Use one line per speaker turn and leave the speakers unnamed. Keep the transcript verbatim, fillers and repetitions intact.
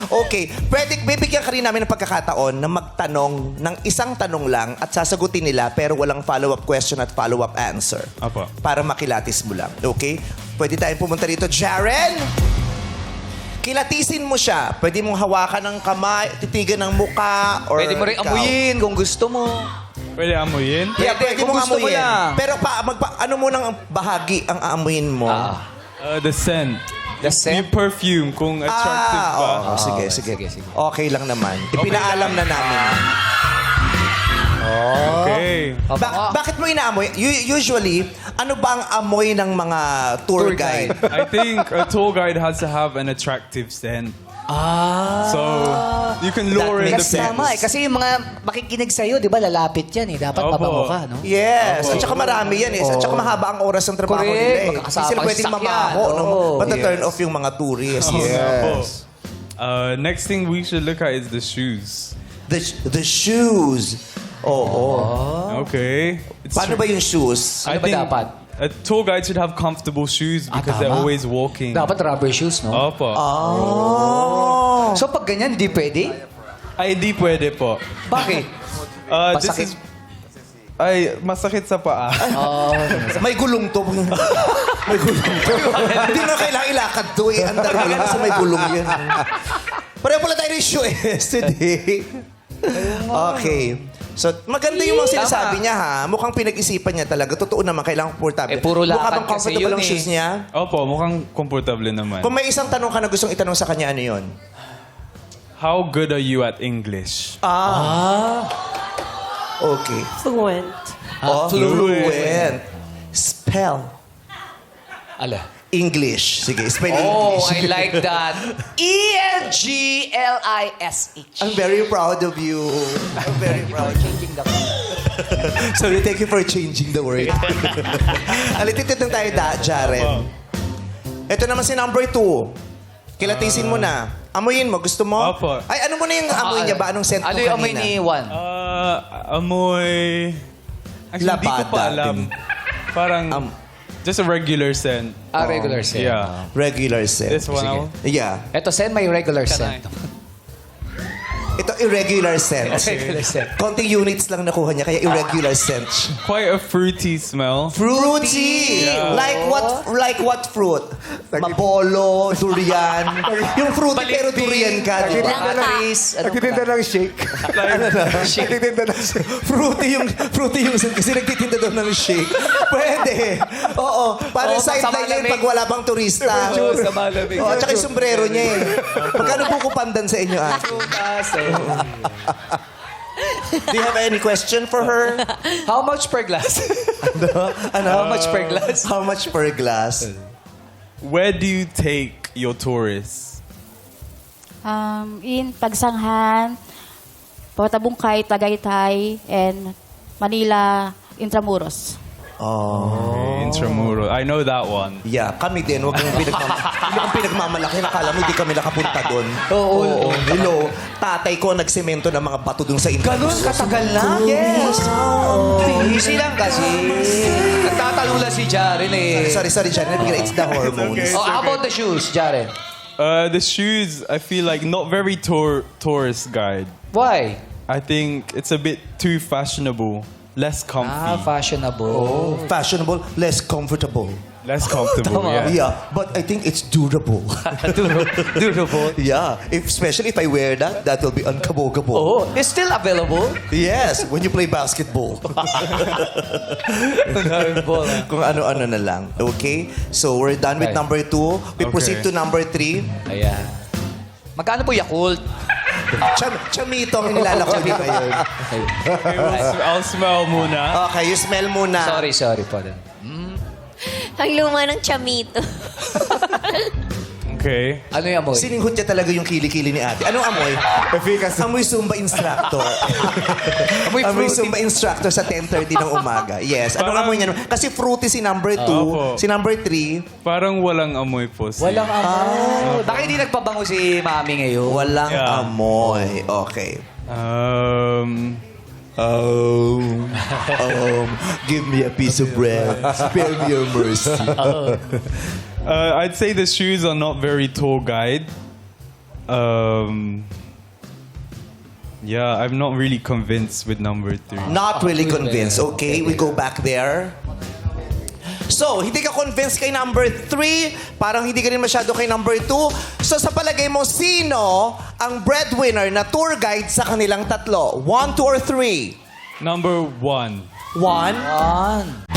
Okay, pwede, bibigyan ka rin namin ng pagkakataon na magtanong ng isang tanong lang at sasagutin nila pero walang follow-up question at follow-up answer.
Apo.
Para makilatis mo lang. Okay? Pwede tayong pumunta rito. Jaren! Kilatisin mo siya. Pwede mong hawakan ng kamay, titigan ng muka, or
Pwede mo rin
ikaw.
amuyin kung gusto mo.
Pwede amuyin?
Yeah,
Pwede,
pwede
kung
mong
gusto mo
amuyin.
lang.
Pero pa, magpa, ano mo nang bahagi ang aamuyin mo?
Ah.
Uh, the scent.
The
Yung
scent?
perfume, kung attractive
Ah,
ba.
oo, sige,
Ah,
sige,
sige, sige.
Okay lang naman. Ipinaalam na namin.
Okay.
Ba- bakit mo inaamoy? U- usually, ano ba ang amoy ng mga tour,
Tour
guide?
guide.
I think a tour guide has to have an attractive scent.
Ah.
So, you can lure in the
makes
Kasi
sense.
people.
tama eh. Kasi yung mga makikinig sa'yo, di ba, lalapit yan eh. Dapat
Opo.
mabango ka, no?
Yes. At saka marami yan eh. At saka mahaba ang oras ng trabaho
Correct.
nila eh.
Magkakasama
Hindi sila
sa
pwedeng
sasakyan.
mamaho. No?
Oo.
Pata-turn
Yes.
off yung mga tourists.
Opo.
Yes.
Uh, next thing we should look at is the shoes.
The, the shoes. Oo.
Okay. It's
Paano ba yung shoes?
I
Ano ba
think
dapat?
a tour guide should have comfortable shoes
Ah,
because they're
tama.
always walking.
Dapat rubber shoes, no?
Opo.
Oh.
So pag ganyan, di pwede?
Ay, di pwede po.
Bakit?
Uh, this
Masakit.
is... Ay, masakit sa paa.
Oh,
May gulong to. May gulong to. Hindi na kailangan ilakad to eh. Andar mo lang kasi may gulong yan. Pareho pala tayo ng shoe yesterday. Okay. So, maganda yung mga sinasabi
Tama.
niya ha. Mukhang pinag-isipan niya talaga. Totoo naman, kailangan komportable.
Eh, puro
Mukha
lakad
bang
kasi
comfortable
yun
ang
eh.
shoes niya?
Opo, mukhang komportable naman.
Kung may isang tanong ka na gustong itanong sa kanya, ano yun?
How good are you at English?
Ah. Okay.
Fluent.
Oh,
fluent.
fluent. Spell.
ala.
English. Sige, spell
Oh,
English.
I like that. E N G L I S H.
I'm very proud of you. I'm very proud.
Changing the
Sorry, thank you for changing the word. Alititid lang tayo, da, Jaren. Ito naman si number two. Kilatisin mo na. Amuyin mo. Gusto mo?
Opo.
Ay, ano mo na yung amoy niya ba? Anong scent mo
Ano
kanina?
yung amoy ni Juan?
Uh, amoy... Actually, hindi ko pa
Labada
alam.
din.
Parang...
Am-
just a regular scent.
Ah, regular scent.
Yeah.
Regular scent.
This one
Sige.
out.
Yeah.
Ito, send may regular scent.
Ito, irregular scent.
Regular scent.
Konting units lang nakuha niya, kaya irregular scent.
Quite a fruity smell.
Fruity!
Yeah.
Like what Like what fruit? Mabolo, durian. Yung fruity pero durian ka, di ba?
Bananas. Ano
Nagtitinda ng shake. Nagtitinda ng shake.
Fruity yung fruity yung kasi nagtitinda daw ng shake. Pwede. Oo. Para
Oo,
sideline
pag sa
niya yun
malamig.
pag wala pang turista.
Oo, sa malamig.
Oo, tsaka yung sombrero niya eh. Magkano buko pandan sa inyo, ah? Do you have any question for her?
How much per glass?
Ano?
How much per glass?
How much per glass?
Where do you take your tourists?
Um, in Pagsanghan, Patabungkay, Tagaytay, and Manila, Intramuros.
Oh.
Intramural. I know that one.
Yeah, kami din. Huwag mong pinagmam hindi kang pinagmamalaki. Nakala mo hindi kami nakapunta doon.
Oo.
Hello. Tatay ko nagsemento ng mga bato doon sa Intramuros.
Ganun katagal na? Yes. Easy lang kasi. Nagtatalo lang si Jaren eh.
Sorry, sorry, Janet. It's the hormones.
okay.
Oh, how about the shoes, Jaren?
Uh, the shoes, I feel like not very tour tourist guide.
Why?
I think it's a bit too fashionable. Less comfy.
Ah, fashionable.
Fashionable, less comfortable.
Less comfortable,
Tama.
yeah.
Yeah, but I think it's durable.
Durable.
Yeah, if, especially if I wear that, that will be uncabogable.
Oh, it's still available.
Yes, when you play basketball. Kung ano-ano na lang. Okay? So, we're done with
Okay.
number two. We
Okay.
proceed to number three.
Ayan. Magkano po Yakult?
Cham chamito ang nilalako niya ngayon.
Okay, we'll sm- I'll smell muna.
Okay, you smell muna.
Sorry, sorry po.
Ang luma ng chamito.
Okay.
Ano yung amoy?
Sininghot niya talaga yung kilikili ni ate. Anong amoy?
Efficacy.
Amoy Zumba instructor.
Amoy
amoy
fruity.
Zumba instructor sa ten thirty ng umaga. Yes. Anong
Parang-
amoy niya? Kasi fruity si number two.
Opo.
Si number three,
Parang walang amoy po. si-
Walang amoy. Bakit hindi nagpabango si Mami ngayon?
walang
Yeah.
amoy. Okay.
Um...
Um, um, give me a piece of bread. Spare me your mercy.
Uh, I'd say the shoes are not very tour guide. Um. Yeah, I'm not really convinced with number three.
Not really convinced. Okay, we go back there. So, hindi ka convinced kay number three. Parang hindi ka rin masyado kay number two. So, sa palagay mo, sino ang breadwinner na tour guide sa kanilang tatlo? One, two, or three?
Number one.
One.
One.